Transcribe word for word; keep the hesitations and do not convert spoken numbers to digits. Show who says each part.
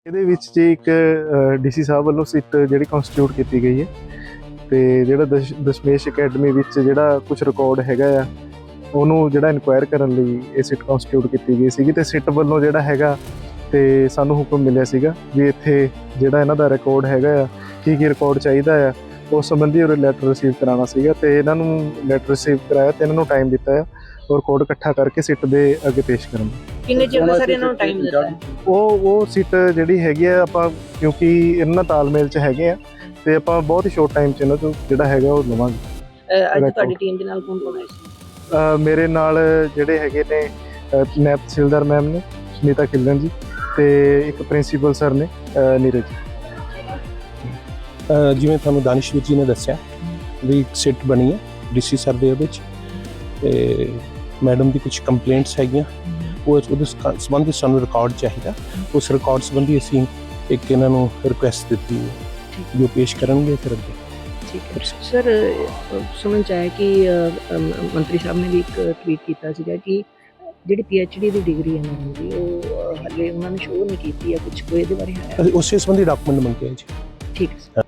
Speaker 1: ਇਹਦੇ ਵਿੱਚ ਜੀ ਇੱਕ ਡੀਸੀ ਸਾਹਿਬ ਵੱਲੋਂ ਸਿੱਟ ਜਿਹੜੀ ਕਨਸਟੀਟਿਊਟ ਕੀਤੀ ਗਈ ਹੈ ਤੇ ਜਿਹੜਾ ਦਸ਼ ਦਸ਼ਮੇਸ਼ ਅਕੈਡਮੀ ਵਿੱਚ ਜਿਹੜਾ ਕੁਝ ਰਿਕਾਰਡ ਹੈਗਾ ਆ ਉਹਨੂੰ ਜਿਹੜਾ ਇਨਕੁਆਇਰ ਕਰਨ ਲਈ ਇਹ ਸਿੱਟ ਕਨਸਟੀਟਿਊਟ ਕੀਤੀ ਗਈ ਸੀਗੀ ਤੇ ਸਿੱਟ ਵੱਲੋਂ ਜਿਹੜਾ ਹੈਗਾ ਤੇ ਸਾਨੂੰ ਹੁਕਮ ਮਿਲਿਆ ਸੀਗਾ ਵੀ ਇੱਥੇ ਜਿਹੜਾ ਇਹਨਾਂ ਦਾ ਰਿਕਾਰਡ ਹੈਗਾ ਆ ਕੀ ਕੀ ਰਿਕਾਰਡ ਚਾਹੀਦਾ ਆ ਉਸ ਸੰਬੰਧੀ ਉਹ ਲੈਟਰ ਰਿਸੀਵ ਕਰਾਉਣਾ ਸੀਗਾ ਤੇ ਇਹਨਾਂ ਨੂੰ ਲੈਟਰ ਰਿਸੀਵ ਕਰਾਇਆ ਤੇ ਇਹਨਾਂ ਨੂੰ ਟਾਈਮ ਦਿੱਤਾ ਆ ਔਰ ਕੋਡ ਇਕੱਠਾ ਕਰਕੇ ਸਿੱਟ ਦੇ ਅੱਗੇ ਪੇਸ਼ ਕਰਨ
Speaker 2: ਕਿੰਨੇ ਚਿਰ ਦਾ ਸਰ ਇਹਨਾਂ ਨੂੰ ਟਾਈਮ ਦਿੱਤਾ ਹੈ?
Speaker 1: ਉਹ ਉਹ ਸਿੱਟ ਜਿਹੜੀ ਹੈਗੀ ਆ ਆਪਾਂ ਕਿਉਂਕਿ ਇਹਨਾਂ ਨਾਲ ਤਾਲਮੇਲ 'ਚ ਹੈਗੇ ਆ ਤੇ ਆਪਾਂ ਬਹੁਤ ਹੀ ਸ਼ੋਰਟ ਟਾਈਮ 'ਚ ਇਹਨਾਂ ਤੋਂ ਜਿਹੜਾ ਹੈਗਾ ਉਹ ਲਵਾਂਗੇ।
Speaker 2: ਅਹ ਅੱਜ ਤੁਹਾਡੀ ਟੀਮ ਦੇ ਨਾਲ ਕੌਣ ਕੌਣ ਆਇਆ ਸੀ?
Speaker 1: ਅਹ ਮੇਰੇ ਨਾਲ ਜਿਹੜੇ ਹੈਗੇ ਨੇ ਨਾਇਬ ਤਹਿਸੀਲਦਾਰ ਮੈਮ ਨੇ ਸੁਨੀਤਾ ਖਿਲਣ ਜੀ ਤੇ ਇੱਕ ਪ੍ਰਿੰਸੀਪਲ ਸਰ ਨੇ ਅਹ ਨੀਰਜ ਜੀ।
Speaker 3: ਜਿਵੇਂ ਤੁਹਾਨੂੰ ਦਾਨਿਸ਼ਵਰ ਜੀ ਨੇ ਦੱਸਿਆ ਵੀ ਇੱਕ ਸਿੱਟ ਬਣੀ ਹੈ ਡੀਸੀ ਸਰ ਦੇ ਉਹਦੇ 'ਚ ਤੇ ਮੈਡਮ ਦੀ ਕੁਝ ਕੰਪਲੇਂਟਸ ਹੈਗੀਆਂ ਉਹ ਉਹਦੇ ਸੰਬੰਧੀ ਸਾਨੂੰ ਰਿਕਾਰਡ ਚਾਹੀਦਾ। ਉਸ ਰਿਕਾਰਡ ਸੰਬੰਧੀ ਅਸੀਂ ਇੱਕ ਇਹਨਾਂ ਨੂੰ ਰਿਕੁਐਸਟ ਦਿੱਤੀ ਹੈ ਜੋ ਪੇਸ਼ ਕਰਨਗੇ ਫਿਰ ਅੱਗੇ।
Speaker 2: ਠੀਕ ਹੈ ਸਰ, ਸੁਣਨ ਚ ਆਇਆ ਕਿ ਮੰਤਰੀ ਸਾਹਿਬ ਨੇ ਵੀ ਇੱਕ ਟਵੀਟ ਕੀਤਾ ਸੀਗਾ ਕਿ ਜਿਹੜੀ ਪੀ ਐਚ ਡੀ ਦੀ ਡਿਗਰੀ ਹੈ ਮੈਡਮ ਦੀ ਉਹ ਹਲੇ ਉਹਨਾਂ ਨੇ ਸ਼ੋਅ ਨਹੀਂ ਕੀਤੀ ਹੈ, ਕੁਝ ਕੋਈ ਇਹਦੇ ਬਾਰੇ ਹੈ?
Speaker 3: ਅਸੀਂ ਉਸੇ ਸੰਬੰਧੀ ਡਾਕੂਮੈਂਟ ਮੰਗੇ ਜੀ।
Speaker 2: ਠੀਕ ਹੈ।